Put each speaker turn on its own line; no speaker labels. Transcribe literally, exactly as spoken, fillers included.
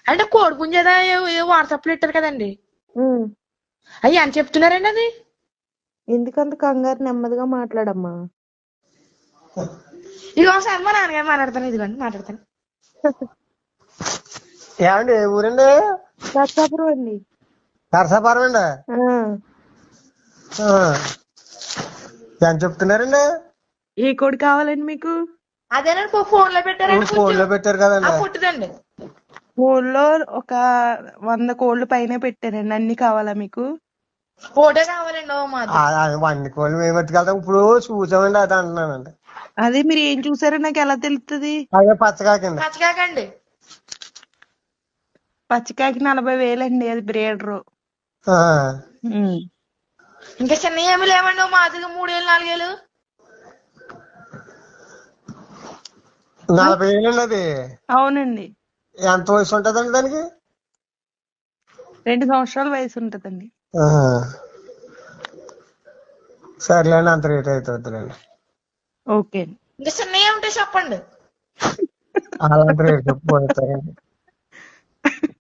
అంటే కోడి పుంజేదా వాట్సాప్ లో ఇట్టారు కదండి, అయ్యి అని చెప్తున్నారండి. అది
ఎందుకంత కంగారు, నెమ్మదిగా మాట్లాడమ్మా.
ఇది ఒకసారి మా నాన్నగారు మాట్లాడతాను, ఇదిగోండి మాట్లాడతాను.
ఏమండి ఏ ఊరండి?
నర్సాపురం అండి.
నరసాపురం అండి. ఎంత చెప్తున్నారండి?
ఏ కోడి కావాలండి మీకు?
అదేనండి ఫోన్ లో పెట్టారండి,
ఫోన్ లో పెట్టారు కదండి.
పుట్టిదండి.
ఫోన్లో ఒక వంద కోళ్ళు పైన పెట్టారండి. అన్ని కావాలా మీకు?
ఫోటో కావాలండి. ఓ మాది
వండి కోళ్ళు మేము పట్టుకెళ్తాం. ఇప్పుడు చూసామండి, అది అంటున్నానండి.
అదే మీరు ఏం చూసారో నాకు ఎలా తెలుస్తుంది?
అదే పచ్చకాకండి.
పచ్చకాకండి.
పచ్చికాకి నలభై వేలండి, అది బ్రీడరు.
ఇంకా చిన్న ఏమి లేవండి, మాదిగా మూడేళ్ళు నాలుగేళ్ళు.
నలభై ఏళ్ళండి అది?
అవునండి.
ఎంత వయసు ఉంటదండి దానికి?
రెండు సంవత్సరాల వయసు ఉంటదండి.
సర్లేండి, అంత రేట్ అవుతుందిలేండి.
ఓకే.
ఇంకా చిన్న ఏముంటే చెప్పండి.
అలాంటి రేట్ చెప్పిపోతారండి.